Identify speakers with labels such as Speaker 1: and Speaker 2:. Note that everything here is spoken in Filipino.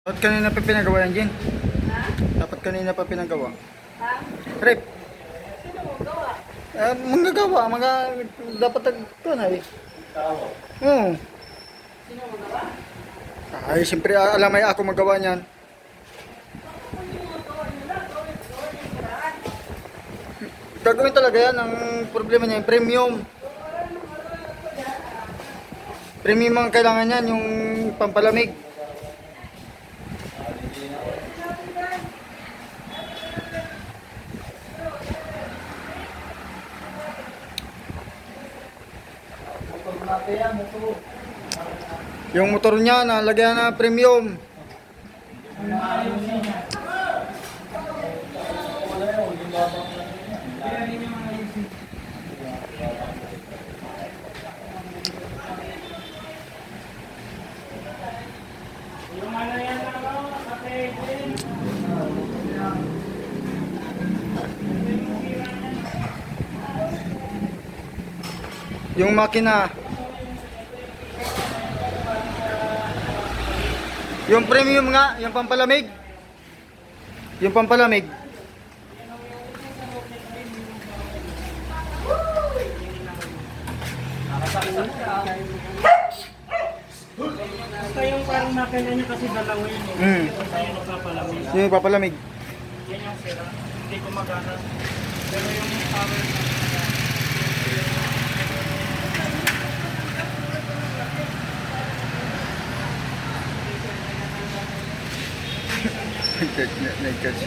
Speaker 1: Dapat kanina pa pinagawa yan, Jen.
Speaker 2: Ha?
Speaker 1: Dapat kanina pa pinagawa.
Speaker 2: Ha?
Speaker 1: Rep,
Speaker 2: Sino mo gawa?
Speaker 1: manggagawa, dapat ito na eh. Oo.
Speaker 2: Sino mo gawa?
Speaker 1: Ay, siyempre alam ay ako magawa niyan.
Speaker 2: Kung yung mga gawa nyo lang, gawin yung paraan.
Speaker 1: Gagawin talaga yan. Ang problema niya, yung premium. Premium ang kailangan niyan, yung pampalamig. Yung motor niya, nalagyan na premium. Yung makina. Yung premium nga, yung pampalamig. Yung pampalamig.
Speaker 3: Basta yung parang makina niya kasi dalawa yun eh. Basta yung nagpapalamig.
Speaker 1: Yung pampalamig.
Speaker 3: Yan yung sira. Hindi gumagana. Pero yung power na
Speaker 1: Nag-catch.